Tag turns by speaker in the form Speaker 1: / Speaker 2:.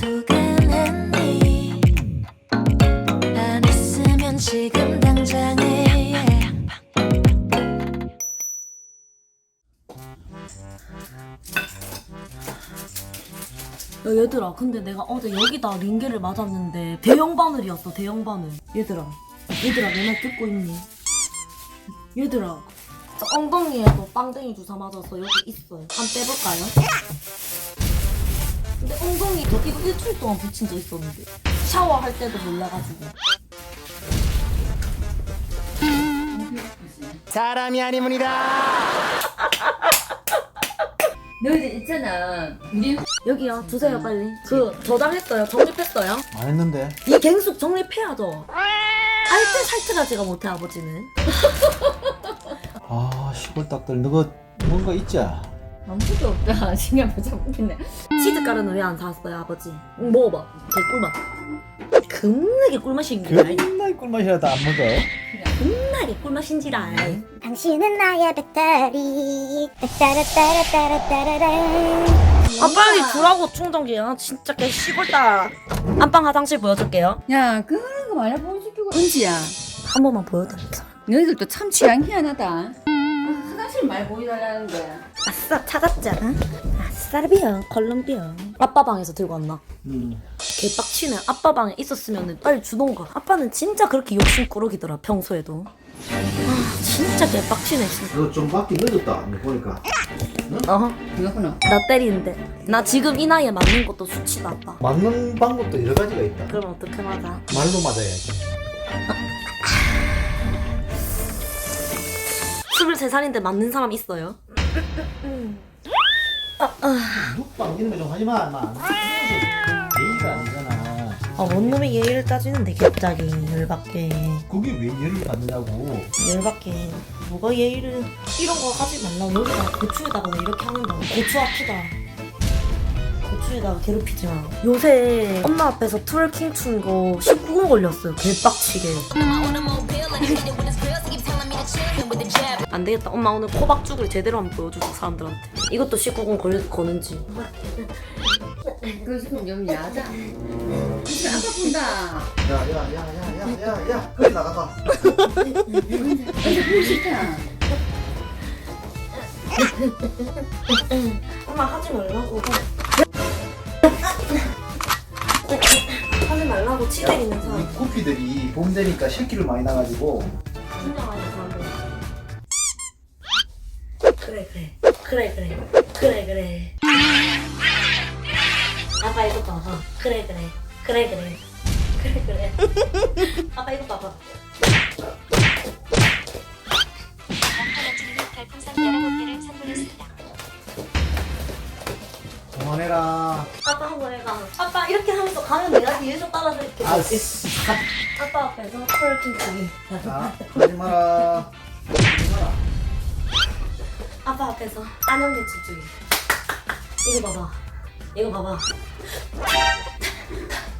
Speaker 1: 포근했니 안 했으면 지금 당장에
Speaker 2: 야, 얘들아, 근데 내가 어제 여기다 링게를 맞았는데 대형 바늘이었어, 대형 바늘. 얘들아, 내 말 듣고 있니? 얘들아, 저 엉덩이에도 빵댕이 주사 맞았어. 여기 있어요. 한번 빼볼까요? 근데 엉덩이 저 이거 일주일 동안 붙인 적 있었는데 샤워할 때도 몰라가지고.
Speaker 3: 사람이 아니문이다.
Speaker 4: 너희들 있잖아. 우리
Speaker 2: 여기요, 주세요 빨리. 그 저장했어요, 정립했어요.
Speaker 5: 안 했는데.
Speaker 2: 이 갱숙 정립해야죠. 알뜰살뜰하 제가 못해 아버지는.
Speaker 5: 아 시골 딱들 너가 뭔가 있지?
Speaker 4: 아무것도 없다. 신경 못 잡겠네.
Speaker 2: 치즈가루는 왜 안 사왔어요 아버지? 먹어봐, 개꿀맛. 겁나게 꿀맛인지라.
Speaker 5: 겁나 꿀맛이라도 안 먹어.
Speaker 2: 겁나게 꿀맛인지라.
Speaker 1: 당신은 나의 배터리 따라따라따라따라따라
Speaker 2: 아 빨리 주라고 충전기. 아 진짜 개 시골다. 안방 화장실 보여줄게요.
Speaker 4: 야, 그런 거 말해 보여주고. 은지야,
Speaker 2: 한 번만 보여드릴게요.
Speaker 4: 너희들도 참 취향 희한하다. 아, 화장실 말 보여달라는데.
Speaker 2: 아싸 찾았잖아. 아싸비야 콜롬비아. 아빠 방에서 들고 왔나? 개빡치네. 아빠 방에 있었으면 빨리 주던가. 아빠는 진짜 그렇게 욕심꾸러기더라 평소에도. 아 진짜 개빡치네 진짜.
Speaker 5: 너 좀 밖에 늦었다. 보니까.
Speaker 4: 그렇구나.
Speaker 2: 나 때리는데. 나 지금 이 나이에 맞는 것도 수치다 아빠.
Speaker 5: 맞는 방법도 여러 가지가 있다.
Speaker 2: 그럼 어떻게 맞아?
Speaker 5: 말로 맞아야지.
Speaker 2: 23살인데 맞는 사람 있어요?
Speaker 5: 눕방 이런 거 좀 하지 마, 마. 예의가 아니잖아.
Speaker 2: 아 원놈의 예의를 따지는데 갑자기 열받게.
Speaker 5: 그게 왜 예의를 받느냐고.
Speaker 2: 열받게. 뭐가 예의를. 이런 거 하지 말라고. 여기다 고추에다가 왜 이렇게 하는 거야. 고추 아프다. 고추에다가 괴롭히지 마. 요새 엄마 앞에서 트월킹 춘 거 19금 걸렸어요. 개빡치게. 안 되겠다. 엄마 오늘 코박죽을 제대로 한번 보여주자 사람들한테. 이것도 19금 거는지.
Speaker 4: 그거 지금 좀 야자. 진짜 아까 본다.
Speaker 5: 야야야야야야야. 그래 나가봐.
Speaker 4: 근데 보고 싶다.
Speaker 2: 엄마 하지 말라고. 하지 말라고 치 때리는
Speaker 5: 이
Speaker 2: 사람.
Speaker 5: 구피들이 봄 되니까 새끼를 많이 나가지고.
Speaker 2: 진짜 많이 사람들. 그래. 아빠 이거 봐봐. 그래. 아빠 이거 봐봐.
Speaker 5: 그만해라.
Speaker 2: 아빠 한번 해봐. 아빠 이렇게 하면서 가면 내가 뒤에서 따라서 이렇게. 아빠 앞에서 트월킹 치기.
Speaker 5: 자, 하지 마라. 하지 마라.
Speaker 2: 아빠 앞에서 안녕대 춤추기. 이거 봐봐.